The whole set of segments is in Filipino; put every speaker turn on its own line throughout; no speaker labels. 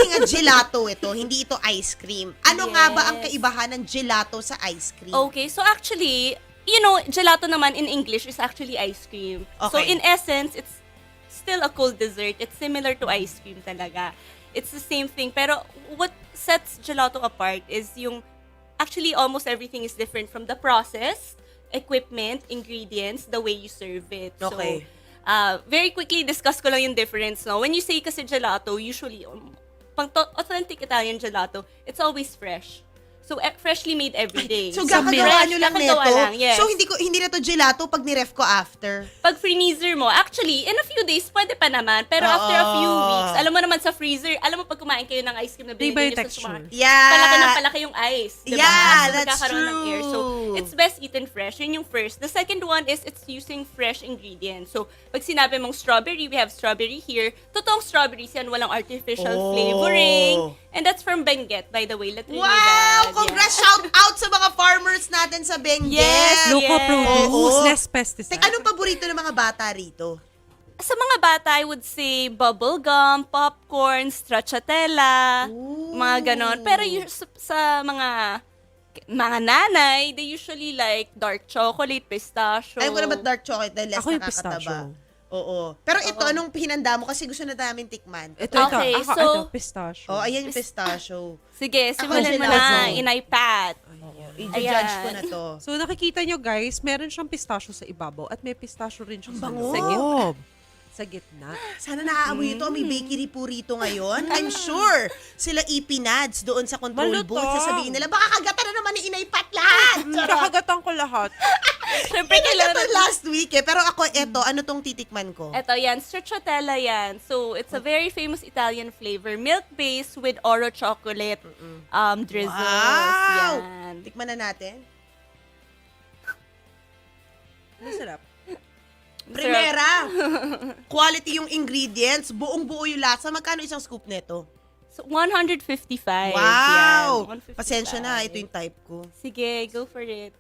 Kasi nga gelato ito, hindi ito ice cream. Ano nga ba ang kaibahan ng gelato sa ice cream?
Okay, so actually, gelato naman in English is actually ice cream. So
Okay.
in essence, it's still a cold dessert. It's similar to ice cream talaga. It's the same thing. Pero what sets gelato apart is actually almost everything is different from the process, equipment, ingredients, the way you serve it.
Okay.
So, very quickly discuss ko lang yung difference. No? When you say kasi gelato, usually, authentic Italian gelato, it's always fresh. So, freshly made every day.
So, gagawa nyo lang
kakagawa
neto?
lang, yes.
So, hindi na to gelato pag niref ko after?
Pag freezer mo, actually, in a few days, pwede pa naman. Pero after a few weeks, alam mo naman sa freezer, alam mo pag kumain kayo ng ice cream na
Iba
binigay
yung
nyo sa
texture.
Yeah.
palaki ng palaki yung ice. Diba?
Yeah,
So,
that's
magkakaroon ng air. So,
true.
it's best eaten fresh. Yun yung first. The second one is it's using fresh ingredients. So, pag sinabi mong strawberry, we have strawberry here. Totoong strawberries yan, walang artificial flavoring. And that's from Benguet, by the way. La Trinidad.
Wow!
Yeah.
Congrats! Shout out sa mga farmers natin sa Benguet!
Yes!
Local produce,
Oo.
less pesticide.
Anong paborito ng mga bata rito?
Sa mga bata, I would say bubble gum, popcorn, stracciatella, mga ganon. Pero sa mga nanay, they usually like dark chocolate, pistachio.
Ayaw ko na ba't dark chocolate dahil less
Ako yung
nakakataba?
pistachio.
Oo. Pero ito, anong hinanda mo? Kasi gusto na namin tikman.
Ito,
Okay,
ito.
so-
Pistachio.
Oh, ayan yung pistachio.
Sige,
Ako
simulan mo
gelato.
na, inaipat.
I-judge ko
Ayan.
na to.
So nakikita nyo guys, meron siyang pistachio sa ibabaw at may pistachio rin siyang
bango.
sa loob. Sa gitna.
Sana naaamoy ito. May bakery po rito ngayon. I'm sure sila ipinads doon sa control
Malutong.
booth. Sasabihin nila, baka kagatan na naman ni Inaypat lahat.
Kakagatan ko lahat.
Siyempre,
Pinagatan
kailangan
last week eh. Pero ako, eto, ano tong titikman ko?
Ito yan, stracciatella yan. So, it's a very famous Italian flavor. Milk-based with Oro chocolate drizzles.
Wow!
Yan.
Tikman na natin.
Masarap.
Primera, quality yung ingredients, buong-buo yung lasa. Magkano isang scoop nito?
So, 155.
Wow!
Yan, 155.
Pasensya na, ito yung type ko.
Sige, go for it.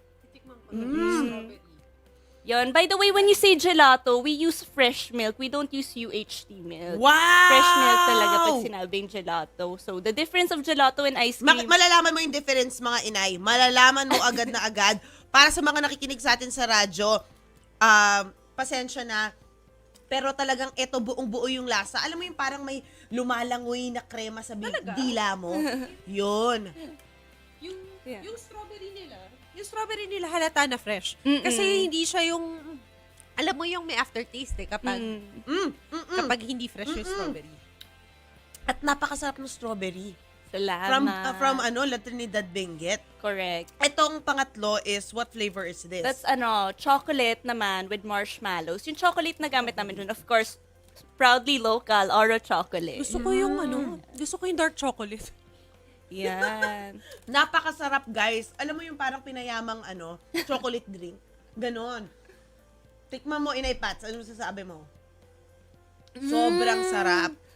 Yon. By the way, when you say gelato, we use fresh milk. We don't use UHT milk.
Wow!
Fresh milk talaga pag sinabing gelato. So, the difference of gelato and ice cream.
Malalaman mo yung difference, mga inay. Malalaman mo agad na agad. Para sa mga nakikinig sa atin sa radyo, pasensya na, pero talagang eto buong-buo yung lasa. Alam mo yung parang may lumalangoy na krema sa dila mo? Yun.
Yung strawberry nila halata na fresh. Kasi hindi siya yung, alam mo yung may aftertaste eh, kapag hindi fresh yung strawberry.
At napakasarap ng strawberry.
Salamat.
From La Trinidad Benguet.
Correct.
Etong pangatlo is, what flavor is this?
That's chocolate naman with marshmallows. Yung chocolate na gamit namin dun, of course, proudly local, Oro chocolate.
Gusto ko yung gusto ko yung dark chocolate.
Yan.
Napakasarap, guys. Alam mo yung parang pinayamang chocolate drink. Ganon. Tikman mo, Inay Pats. Ano sasabi mo? Sobrang sarap.